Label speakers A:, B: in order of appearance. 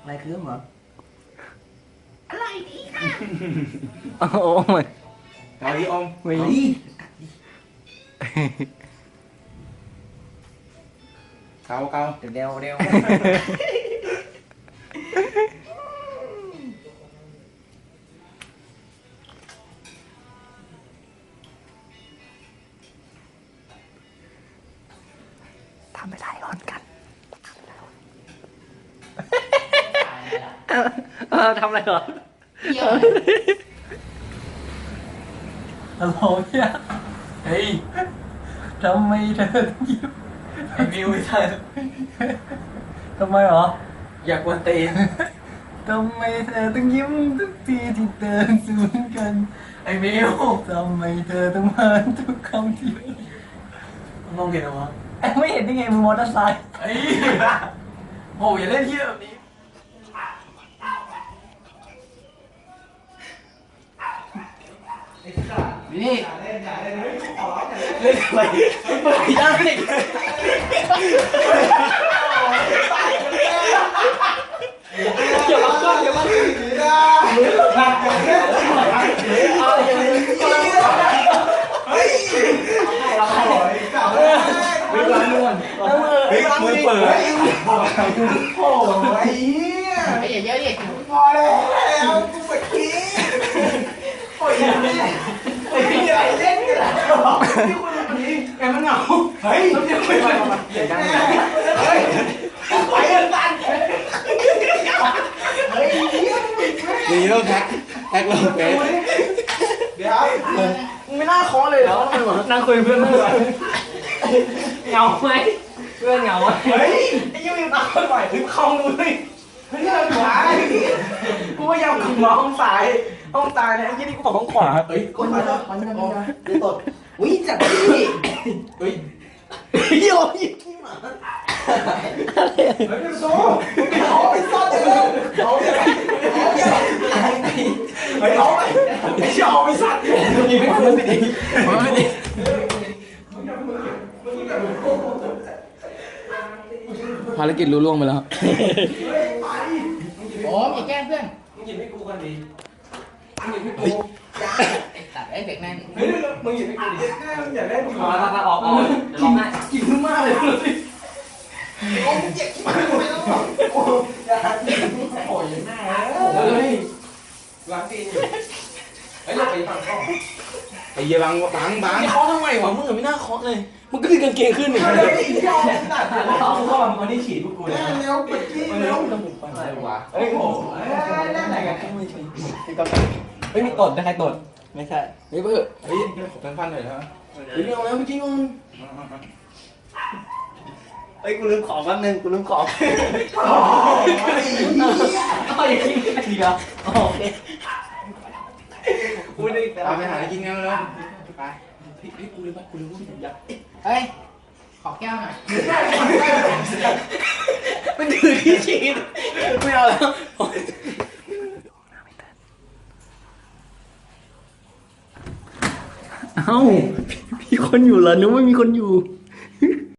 A: อะไรคืมเหรออะไรดีค่ะ
B: โอ้ย
C: เอาดิอม
B: ไม่
A: เอาดิ
C: เกาเกา
A: เร็วเร็ว
B: ทำไปถ่ายร้อนกันทำอะไรเหรอฮัลโหลเนี่ยเฮ้ยทำไมเธอต้องยิ้ม
C: ไอ้มิวไม่ใช่
B: ทำไมเหรอ
C: อยากกวนตีน
B: ทำไมเธอต้องยิ้มทุกทีที่เดินสวนกัน
C: ไอ้มิว
B: ทำไมเธอต้องมาทุกคำที่
C: มองเห็นเหรอวะ
B: ไม่เห็นได้ไงมึงมอเตอร์ไซค์
C: ไอ้โอ้ยอย่าเล่นเที่ยวแบบนี้นี่เล่นอะไรเปิดยังนี่อย่ามาขึ้นอย่ามาขึ้นมือเปิดโอ้ย
A: ไอ้เยอะดิ
C: พอแล้วกูเมื่อกี้โอ้ยไอ้พี่อะไรเล่นกันล่ะที่คุณวันนี้แกมันเหงาเฮ้ยต้องเดี๋ยวไปเปลี่ยนกันเฮ้ยไปกันกันเฮ้ยนี่เริ่มแท็กเริ่มเป๊ะเดี๋ยวมึงไม่น่าเคาะเลยเหรอ
B: นั่งคุยเพื่อนเหงาไหมเพื่อนเหงาไหม
C: เฮ้ยไอ้ยังตามไปบ่อยถึงคลองดูเลยเฮ้ยเราขวากูพยายามขับมาห้องซ้ายห้องซ้ายเนี่ยไอ้ยี่นี่กูบอกห้องขวาเฮ้ย
A: คนมาแล้วคนมาแล้วเดี๋ยวตดวิ่งจับดิ
C: เฮ้ยเดี๋ยวยี่ที่หมาเฮ้ยเป็นโซ่เอาไปซ่อนเลยเอาไปเฮ้ยเอาไปไอ้เชี่ยเอาไปซ่อนยิงไม่พ้นไม่ดีไม่ดีภารกิจรู้ล่วงไปแล้ว
A: โอ้ยอย่าแกล้งเพื่อน
C: มึงหยิบให้กูกันดีมึงหยิบให้กู
A: ตัดไอ้เด็กนั่น
C: เฮ้ยมึงหยิบให้กูดิมึงอย่าเล่นมึง
B: มาออกเดี๋ยวร้องไห้
C: กินมากเลยสิโอ้ยเจ็บมากเลยโอ้ยอย่าโอ้ยแม่เฮ้ยล้างตีนอยู่เฮ้ยเราไปฟังข้อไอ้เหี้ยบังนี่เคาะทำไมวะมึงไม่น่าเคาะเลยมึงก็ดึงกางเกงขึ้นหนึ่งเลยไอ้เหี้ยตัดเขาเข้ามาคนที่ฉีดพวกกูเลยเร็วไปจี้เร็วอะไรวะเฮ้ยโอ้ยเล่นอะไรกันไม่ใช่ไม่มีตดใครตดไม่ใช่เฮ้ยเพื่อเฮ้ยพันหน่อยนะเฮ้ยไม่เอาแล้วไม่จริงมึง
B: เฮ้ยกูลืมของแป๊บนึงกูลืมของ
C: โอ้ย
B: เอาอย่างนี้ดีเหรอโอเคกูได้
C: เอาไปหากินกันเลยไปพี่กูเลยป่ะกูเลยว่าพี่อยาก
A: เฮ้ยขอแก้วหน่อย
B: มันถือที่ฉีดไม่เอาแล้วเอ้ามีคนอยู่เหรอนึกว่ามีคนอยู่